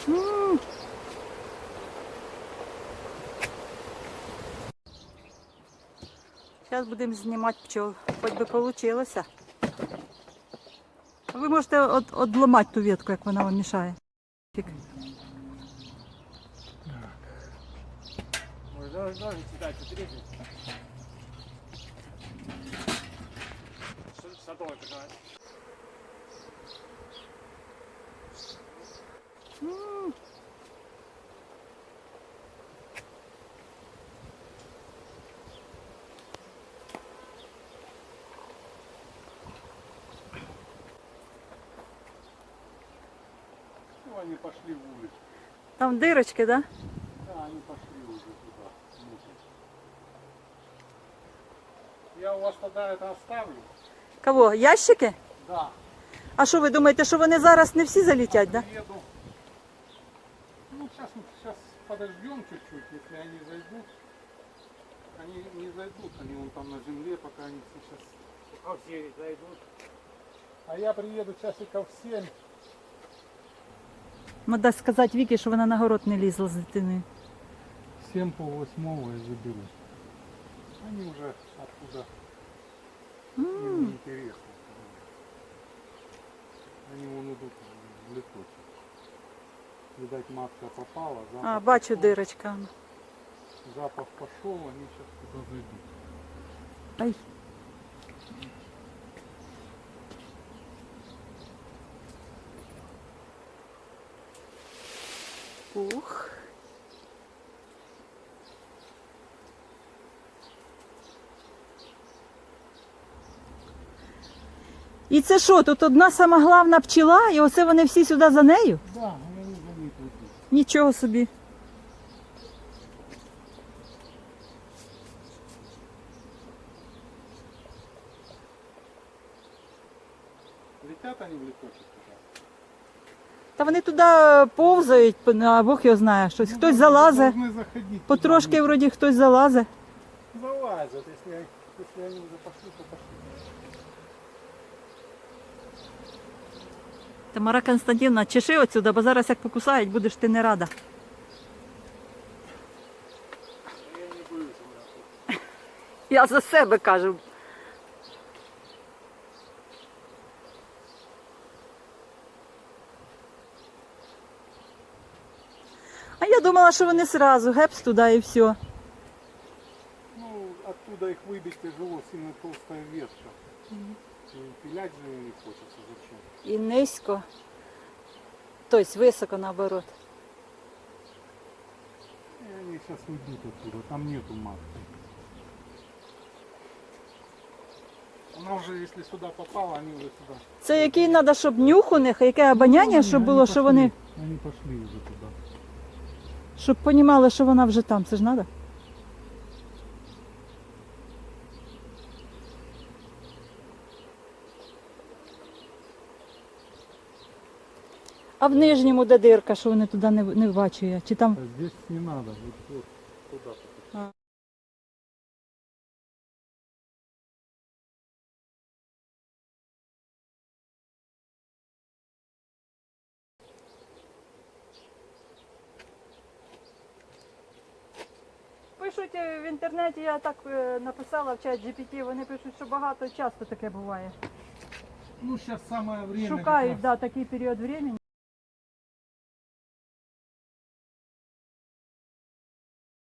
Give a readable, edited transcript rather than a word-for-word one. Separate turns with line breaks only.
Зараз будемо знімати пчол, хоч би вийшло. Ви можете одламати ту ветку, як вона вам мішає.
Ножницы дать, отрезать. Садовая такая. Ну, они пошли в улицу.
Там дырочки, да?
Да, они пошли уже туда. Я у вас тогда это оставлю.
Кого? Ящики?
Да.
А що ви думаєте, що вони зараз не всі залетять, да?
Приеду. Ну, сейчас подождем чуть-чуть, если они зайдут. Они не зайдут, они вон там на земле, пока они сейчас... Пока все зайдут. А я приеду часиков в 7.
Треба сказати Вікі, що вона на город не лізла з дитиною.
7 по 8 и заберу. Они уже оттуда. Им не интересно. Они вон идут в леточек. Видать, матка попала.
А, бачу дирочка.
Запах пошел, они сейчас туда зайдут.
Ай. Ух. І це що, тут одна сама головна пчела, і оце вони всі сюди за нею?
Да, они за них идут.
Нічого собі.
Летят они в леточек туда.
Та вони туди повзають, а Бог його знає, щось. Хтось залазить,
Должны заходить
потрошки
туда.
вроді хтось залазить.
Залазят, если они уже пошли, то пошли.
Тамара Константинівна, чеши отсюди, бо зараз як покусають, будеш ти не рада.
Я не боюсь, у меня тут.
Я за себе кажу. А я думала, що вони сразу, гепс туди і все.
Ну, оттуда их выбить тяжело, сильно толстая ветка. И пилять же ее не хочется, зачем?
І низько. Тобто високо наоборот.
И они сейчас уйдут оттуда, там нету матки. Она уже, если сюда попала, они уже сюда.
Це який треба, щоб нюх у них, яке обоняння, щоб було, що вони,
Они пошли уже туда.
щоб розуміли, що вона вже там. Це ж треба? А в нижньому де дирка, що вони туди не бачу я? Чи там?
А здесь не надо, вот туда.
А. Пишуть в інтернеті, я так написала в чат GPT, вони пишуть, що багато часто таке буває.
Ну, сейчас самое время.
Шукають, да, такий період времени.